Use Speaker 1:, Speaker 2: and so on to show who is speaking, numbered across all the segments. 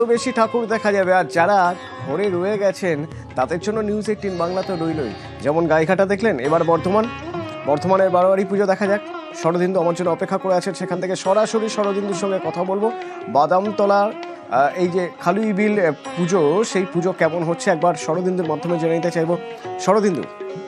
Speaker 1: বেশি ঠাকুর দেখা যাবে। আর যারা ঘরে রয়ে গেছেন তাদের জন্য নিউজ 18 বাংলা তো রইলই। যেমন গাইঘাটা দেখলেন, এবার বর্ধমানের বারোয়ারি পুজো দেখা যাক। শরদিন্দু আমার জন্য অপেক্ষা করে আছেন, সেখান থেকে সরাসরি শরদিন্দুর সঙ্গে কথা বলবো। বাদামতলার এই যে খালুই বিল পুজো, সেই পুজো কেমন হচ্ছে একবার শরদিন্দুর মাধ্যমে জেনে নিতে চাইবো। শরদিন্দু,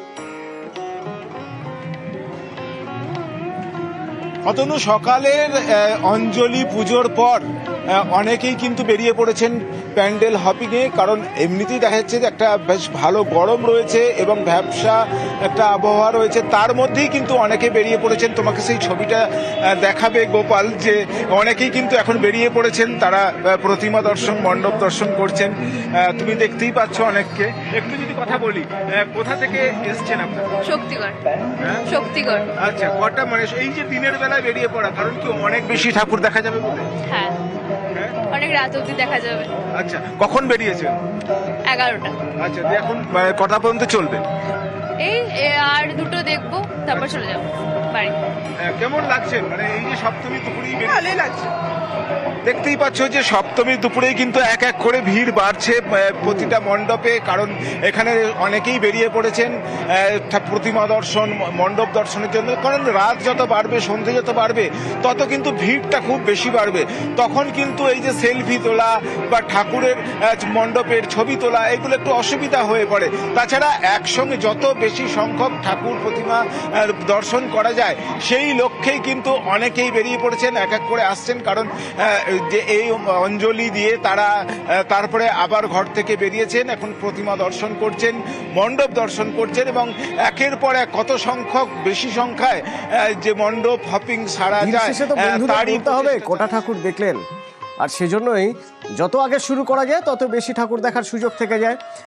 Speaker 2: অতনু, সকালের অঞ্জলি পুজোর পর অনেকেই কিন্তু বেরিয়ে পড়েছেন প্যান্ডেল হপিংয়ে, কারণ এমনিতেই দেখা যাচ্ছে যে একটা বেশ ভালো গরম রয়েছে এবং ব্যবসা একটা আবহাওয়া রয়েছে, তার মধ্যেই কিন্তু অনেকে বেরিয়ে পড়েছেন। তোমাকে সেই ছবিটা দেখাবে গোপাল, যে অনেকেই কিন্তু এখন বেরিয়ে পড়েছেন, তারা প্রতিমা দর্শন, মণ্ডপ দর্শন করছেন। তুমি দেখতেই পাচ্ছ অনেককে। একটু যদি কথা বলি, কোথা থেকে এসছেন আপনারা?
Speaker 3: শক্তিগড়।
Speaker 2: হ্যাঁ?
Speaker 3: শক্তিগড়।
Speaker 2: আচ্ছা, কটা মানে এই যে দিনের বেলায় বেরিয়ে পড়া, কারণ কি অনেক বেশি ঠাকুর দেখা যাবে বলে?
Speaker 3: হ্যাঁ,
Speaker 2: হ্যাঁ?
Speaker 3: অনেক রাত অবধি দেখা যাবে।
Speaker 2: আচ্ছা, কখন বেরিয়েছেন?
Speaker 3: 11টা।
Speaker 2: আচ্ছা, দিয়ে এখন কটা পর্যন্ত চলবে?
Speaker 3: এই আর দুটো দেখবো, তারপর চলে যাবো বাড়ি।
Speaker 2: কেমন লাগছে মানে এই যে সপ্তমী দুপুরেই ভালোই লাগছে? দেখতেই পাচ্ছ যে সপ্তমীর দুপুরেই কিন্তু এক এক করে ভিড় বাড়ছে প্রতিটা মণ্ডপে, কারণ এখানে অনেকেই বেরিয়ে পড়েছেন প্রতিমা দর্শন, মণ্ডপ দর্শনের জন্য। কারণ রাত যত বাড়বে, সন্ধে যত বাড়বে, তত কিন্তু ভিড়টা খুব বেশি বাড়বে। তখন কিন্তু এই যে সেলফি তোলা বা ঠাকুরের মণ্ডপের ছবি তোলা, এগুলো একটু অসুবিধা হয়ে পড়ে। তাছাড়া একসঙ্গে যত বেশি সংখ্যক ঠাকুর প্রতিমা দর্শন করা যায়, সেই লক্ষ্যেই কিন্তু অনেকেই বেরিয়ে পড়েছেন, এক এক করে আসছেন। কারণ যে এই অঞ্জলি দিয়ে তারা তারপরে আবার ঘর থেকে বেরিয়েছেন, এখন প্রতিমা দর্শন করছেন, মণ্ডপ দর্শন করছেন, এবং একের পর এক কত সংখ্যক, বেশি সংখ্যায় যে মণ্ডপ হপিং সারা যায়,
Speaker 1: তারই হবে কটা ঠাকুর দেখলেন। আর সেজন্যই যত আগে শুরু করা যায় তত বেশি ঠাকুর দেখার সুযোগ থেকে যায়।